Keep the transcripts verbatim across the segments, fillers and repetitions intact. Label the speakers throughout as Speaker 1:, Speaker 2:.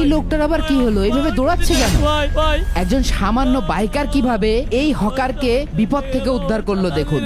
Speaker 1: লোকটার আবার কি হলো, এইভাবে দৌড়াচ্ছে কেন? একজন সামান্য বাইকার কিভাবে এই হকারকে বিপদ থেকে উদ্ধার করলো দেখুন।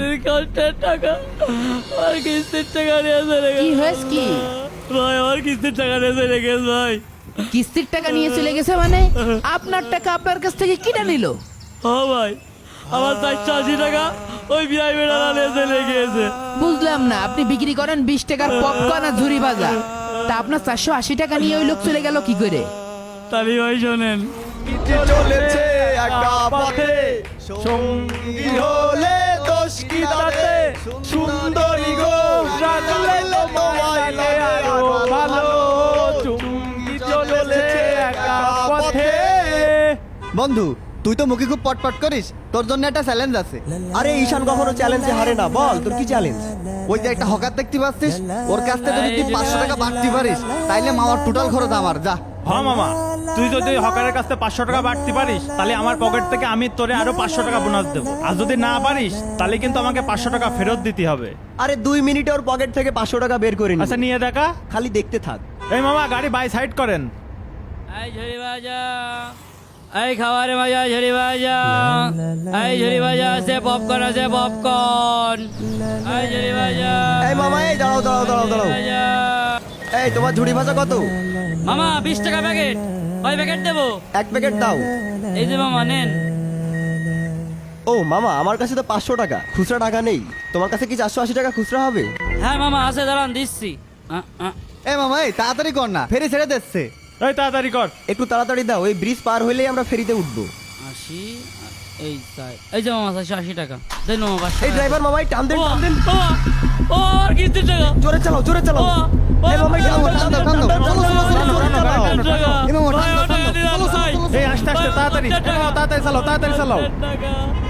Speaker 1: কি হয়েছে কি
Speaker 2: ভাই? আমার কিস্তির টাকা নিয়ে চলে গেছে ভাই।
Speaker 1: কিস্তির টাকা নিয়ে চলে গেছে মানে? আপনার টাকা আপনার কাছ থেকে কিনে নিল?
Speaker 2: হ্যাঁ ভাই, আমার চারশো আশি টাকা ওই বিআই বেড়া নিয়ে চলে গিয়েছে।
Speaker 1: বুঝলাম না, আপনি বিক্রি করেন বিশ টাকার পপকর্ন আর ঝুরি ভাজা, তা আপনার চারশো আশি টাকা নিয়ে ওই লোক চলে গেল কি করে?
Speaker 2: তালি ভাই শোনেন,
Speaker 3: চলেছে একা পথে, সঙ্গী হলে দোষ কি তাতে, সুন্দরী গো রাখলে তোমায় আরো ভালো, চুঙ্গি চলেছে একা পথে। বন্ধু, তুই তো মুখে খুব পটপট করিস, তোর জন্য একটা চ্যালেঞ্জ আছে।
Speaker 4: আরে ঈশান কখনো চ্যালেঞ্জে হারে না, বল তোর কি চ্যালেঞ্জ?
Speaker 3: ওই যে একটা হকার দেখতে পাচ্ছিস, ওর কাছ থেকে যদি তুই পাঁচশো টাকা বাড়তে পারিস তাইলে মামার টোটাল খরচ আমার। যা।
Speaker 5: হ্যাঁ মামা, তুই যদি হকারের কাছ থেকে পাঁচশো টাকা বাড়তে পারিস তাহলে আমার পকেট থেকে আমি তোরে আরো পাঁচশো টাকা বোনাস দেবো, আর যদি না পারিস তাহলে কিন্তু আমাকে পাঁচশো টাকা ফেরত দিতে হবে।
Speaker 4: আরে দুই মিনিটে ওর পকেট থেকে পাঁচশো টাকা বের করে নি।
Speaker 5: আচ্ছা নিয়ে দেখা,
Speaker 4: খালি দেখতে থাক।
Speaker 5: এই মামা গাড়ি বাই সাইড করেন।
Speaker 2: এই ঝুড়ি ভাজা, এই খাবারে ভাজা ঝুড়ি ভাজা, এই ঝুড়ি ভাজা আছে, পপকর্ন আছে পপকর্ন, এই ঝুড়ি ভাজা।
Speaker 4: এই মামা, এই দাঁড়াও দাঁড়াও দাঁড়াও দাঁড়াও। এই তোমার ঝুড়ি ভাজা কত?
Speaker 2: মামা বিশ টাকা প্যাকেট, কয় প্যাকেট দেবো?
Speaker 4: এক প্যাকেট দাও।
Speaker 2: এই যে মামা নেন।
Speaker 4: ও মামা, আমার কাছে তো পাঁচশো টাকা খুচরা টাকা নেই, তোমার কাছে কি চারশো আশি টাকা খুচরা হবে?
Speaker 2: হ্যাঁ মামা আছে, দাঁড়ান দিচ্ছি। আ, আ।
Speaker 3: এ মামা, এই তাড়াতাড়ি কর না, ফেরি ছেড়ে দিচ্ছে।
Speaker 5: এই তাড়াতাড়ি কর।
Speaker 4: একটু তাড়াতাড়ি দাও, এই ব্রিজ পার হইলেই আমরা ফেরিতে উঠবো।
Speaker 2: আশি, এই তাই, এই যে মামা চারশো আশি টাকা দেন মামা। পাঁচশো
Speaker 4: এই
Speaker 2: টাকা।
Speaker 4: ড্রাইভার মামা, এই টান দেন টান দেন।
Speaker 2: বাবা, ও আর কিস্তির টাকা।
Speaker 4: জোরে চালাও জোরে চালাও।
Speaker 2: বাবা,
Speaker 4: এই মামা, এই টান দাও, টান দাও, টান দাও, চলো, চলো, চলো, জোরে চালাও।
Speaker 2: টাকা।
Speaker 3: এ মামা,
Speaker 2: ভাই,
Speaker 3: টান দাও,
Speaker 2: ও টাকা
Speaker 3: টান দাও,
Speaker 2: দিলাম,
Speaker 3: চলো, চলো,
Speaker 2: ভাই।
Speaker 3: চলো, চলো।
Speaker 5: এই আস্তে আস্তে তাড়াতাড়ি, এই মামা, তাড়াতাড়ি চালাও তাড়াতাড়ি চালাও।
Speaker 2: টাকা।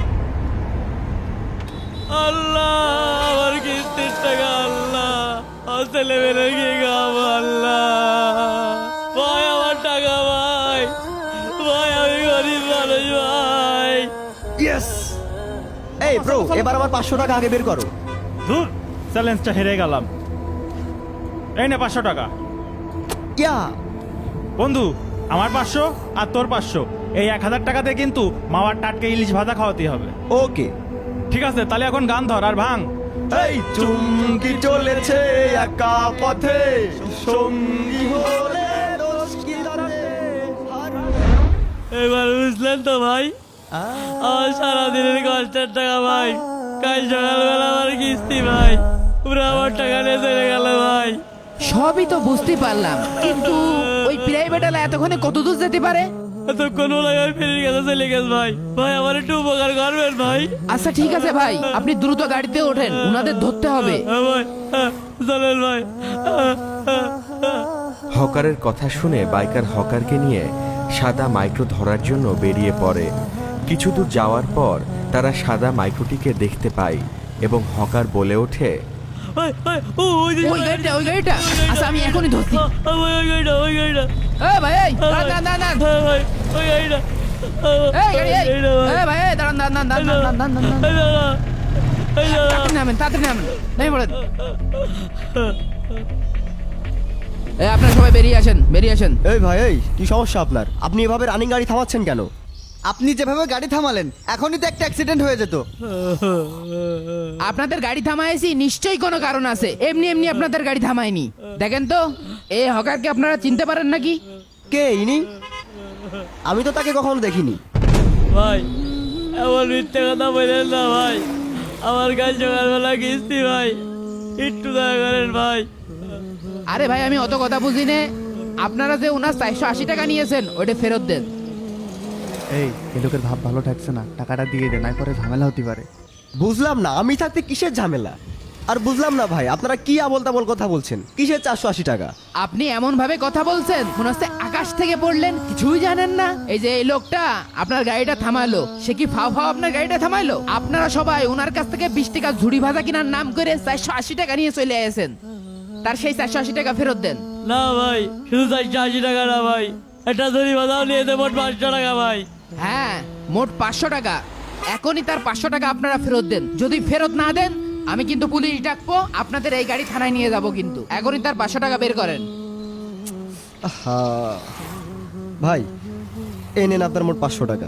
Speaker 2: আল্লাহ, আমার কিস্তির টাকা আল্লাহ, আমার ছেলে মেয়ে কি খাবো আল্লাহ। ভাই আমার টাকা ভাই, ভাই আমি গরিব মানুষ ভাই।
Speaker 4: ইয়েস। এই ব্রো, এবার আমার পাঁচশো টাকা আগে বের করো।
Speaker 5: ধুর, চ্যালেঞ্জটা হেরে গেলাম। এই নে পাঁচশো টাকা।
Speaker 4: ইয়া।
Speaker 5: বন্ধু, আমার পাঁচশো আর তোর পাঁচশো, এই এক হাজার টাকাতে কিন্তু মামার টাটকে ইলিশ ভাজা খাওয়াতে হবে।
Speaker 4: ওকে।
Speaker 5: ঠিক আছে, তাহলে এখন গান ধর আর ভাঙ।
Speaker 4: এই চুমকি চলেছে একা পথে, সঙ্গী হলে দোষ কি তাতে।
Speaker 2: এবার বুঝলেন তো ভাই, আমার সারাদিনের কষ্টের টাকা ভাই, কাল সকালবেলা আমার কিস্তি ভাই, পুরো আমার টাকা নিয়ে চলে গেল ভাই।
Speaker 1: সবই তো বুঝতে পারলাম, কিন্তু ওই প্রাইভেটালা এতক্ষণে কত দূর যেতে পারে?
Speaker 2: এতক্ষণ লাগাই ফেরির কাছে চলে গেছে ভাই। ভাই আমার একটু উপকার করবেন ভাই।
Speaker 1: আচ্ছা ঠিক আছে ভাই, আপনি দ্রুত গাড়িতে ওঠেন, উনাদের ধরতে হবে।
Speaker 2: হ্যাঁ ভাই, হ্যাঁ, চলেন ভাই।
Speaker 6: হকারের কথা শুনে বাইকার হকারকে নিয়ে সাদা মাইক্রো ধরার জন্য বেরিয়ে পড়ে। কিছু দূর যাওয়ার পর তারা সাদা মাইক্রোটিকে দেখতে পায় এবং হকার বলে ওঠে,
Speaker 2: ভাই, ভাই, ও, ওই যে-
Speaker 1: ওই গাড়িটা ওই গাড়িটা আচ্ছা আমি এখনই ধরছি।
Speaker 2: আ, আ, ভাই, ওই গাড়িটা, ওই গাড়িটা।
Speaker 1: এ ভাই, এই দাঁড়ান দাঁড়ান দাঁড়ান।
Speaker 2: হ্যাঁ ভাই, ওই গাড়িটা। আ,
Speaker 1: এই গাড়ি, এই
Speaker 2: গাড়িটা ভাই।
Speaker 1: এ ভাই, এই দাঁড়ান দাঁড়ান দাঁড়ান দাঁড়ান দাঁড়ান দাঁড়ান দাঁড়ান।
Speaker 2: এই দাঁড়া, এই দাঁড়া।
Speaker 1: তাড়াতাড়ি নামেন, তাড়াতাড়ি নামেন, নেমে পড়েন। এই আপনারা সবাই বেরিয়ে আসেন, বেরিয়ে আসেন।
Speaker 4: এই ভাই, এই কি সমস্যা আপনার? আপনি এভাবে রানিং গাড়ি থামাচ্ছেন কেন?
Speaker 3: আপনি যেভাবে গাড়ি থামালেন এখনই তো একটা অ্যাক্সিডেন্ট হয়ে যেত।
Speaker 1: আপনাদের গাড়ি থামাইছি নিশ্চয়ই কোনো কারণ আছে, এমনি এমনি আপনাদের গাড়ি থামায়নি। দেখেন তো এই হকারকে আপনারা চিনতে পারেন নাকি?
Speaker 4: কে ইনি? আমি তো তাকে কখনো দেখিনি।
Speaker 2: ভাই এমন মিথ্যে কথা বললেন না ভাই, আমার কাজ সকালবেলা কিস্তি ভাই, একটু দয়া করেন ভাই।
Speaker 1: আরে ভাই আমি অত কথা বুঝি নে, আপনারা যে ওনার চারশো আশি টাকা নিয়েছেন ওইটা ফেরত দেন।
Speaker 7: এই এই লোকের ভাব ভালো ঠেকছে না, টাকাটা দিয়ে দে, নাই পরে ঝামেলা হতে পারে।
Speaker 4: বুঝলাম না, আমি থাকতে কিসের ঝামেলা? আর বুঝলাম না ভাই, আপনারা কি আবল তাবল কথা বলছেন? কিসের চারশো আশি টাকা?
Speaker 1: আপনি এমন ভাবে কথা বলছেন মনে হচ্ছে আকাশ থেকে পড়লেন, কিছুই জানেন না। এই যে এই লোকটা আপনার গাড়িটা থামালো, সে কি ফাও ফাও আপনার গাড়িটা থামাইলো? আপনারা সবাই ওনার কাছ থেকে বিশ টাকা ঝুড়ি ভাজা কিনার নাম করে চারশো আশি টাকা নিয়ে চলে আসেন, তার সেই চারশো আশি টাকা ফেরত দেন।
Speaker 2: না ভাই, শুধু চারশো আশি টাকা না ভাই, একটা ধরি বাজাও নিয়ে দেবো পাঁচশো টাকা ভাই।
Speaker 1: হ্যাঁ মোট পাঁচশো টাকা, এখনই তার পাঁচশো টাকা আপনারা ফেরত দেন। যদি ফেরত না দেন আমি কিন্তু পুলিশ ডাকবো, আপনাদের এই গাড়ি থানায় নিয়ে যাব। কিন্তু এখনই তার পাঁচশো টাকা বের করেন।
Speaker 4: আহা, ভাই এই নেন আপনার মোট পাঁচশো টাকা।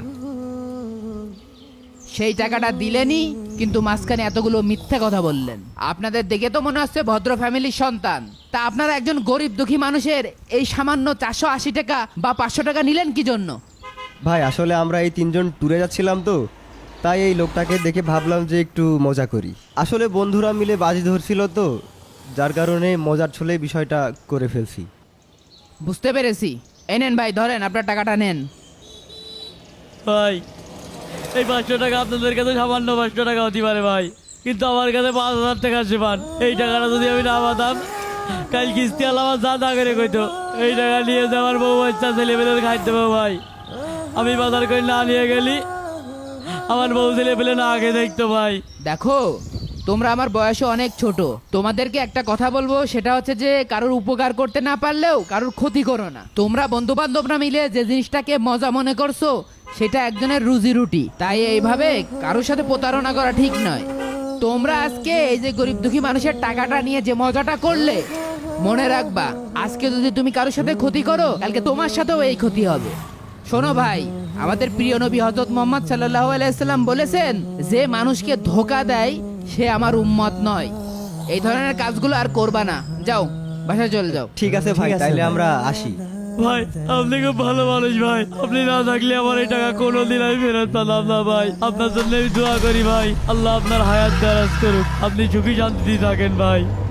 Speaker 1: সেই টাকাটা দিলেনই, কিন্তু মাঝখানে এতগুলো মিথ্যে কথা বললেন। আপনাদের দেখে তো মনে হচ্ছে ভদ্র ফ্যামিলির সন্তান, তা আপনারা একজন গরিব দুঃখী মানুষের এই সামান্য চারশো আশি টাকা বা পাঁচশো টাকা নিলেন কি জন্য?
Speaker 4: ভাই আসলে আমরা এই তিনজন ট্যুরে যাচ্ছিলাম তো, তাই এই লোকটাকে দেখে ভাবলাম যে একটু মজা করি। আসলে বন্ধুরা মিলে বাজি ধরছিল তো, যার কারণে মজার ছলে বিষয়টা করে ফেলছি।
Speaker 1: বুঝতে পেরেছি। এই নেন ভাই, ধরেন আপনার টাকাটা নেন।
Speaker 2: ভাই এই পাঁচশো টাকা আপনাদের কাছে সামান্য পাঁচশো টাকা হতে পারে ভাই, কিন্তু আমার কাছে পাঁচ হাজার টাকা আছে পান। এই টাকাটা যদি আমি না পাতাম, কাল কিস্তি আলা আমার যা না করে কইতো এই টাকা নিয়ে যে আমার বউ বাচ্চা ছেলেপেলের খাইতে দেবো ভাই। আমি বাজার করে না নিয়ে গেলি আমার বউ ছেলেপেলে না আগে দেখতো ভাই।
Speaker 1: দেখো, তোমরা আমার বয়সে অনেক ছোট, তোমাদেরকে একটা কথা বলবো, সেটা হচ্ছে যে কারোর উপকার করতে না পারলেও কারোর ক্ষতি করো না। তোমরা বন্ধু বান্ধবরা মিলে যে জিনিসটাকে মজা মনে করছো, সেটা একজনের রুজি রুটি, তাই এইভাবে কারোর সাথে প্রতারণা করা ঠিক নয়। তোমরা আজকে এই যে গরিব দুঃখী মানুষের টাকাটা নিয়ে যে মজাটা করলে, মনে রাখবা আজকে যদি তুমি কারোর সাথে ক্ষতি করো, কালকে তোমার সাথেও এই ক্ষতি হবে। শোনো ভাই, আমাদের প্রিয় নবী হযরত মুহাম্মদ সাল্লাল্লাহু আলাইহি সাল্লাম বলেছেন, যে মানুষকে ধোঁকা দেয় সে আমার উম্মত নয়। এই ধরনের কাজগুলো আর করবা না। যাও, বাসায় চলে যাও।
Speaker 4: ঠিক আছে ভাই, তাইলে আমরা আসি।
Speaker 2: ভাই আপনি খুব ভালো মানুষ ভাই, আপনি না থাকলে আমার এই টাকা কোনোদিন আমি ফেরত পেলাম না ভাই। আপনার জন্য আমি দোয়া করি ভাই, আল্লাহ আপনার হায়াত দারাজ করুক, আপনি সুখী শান্তিতে থাকেন ভাই।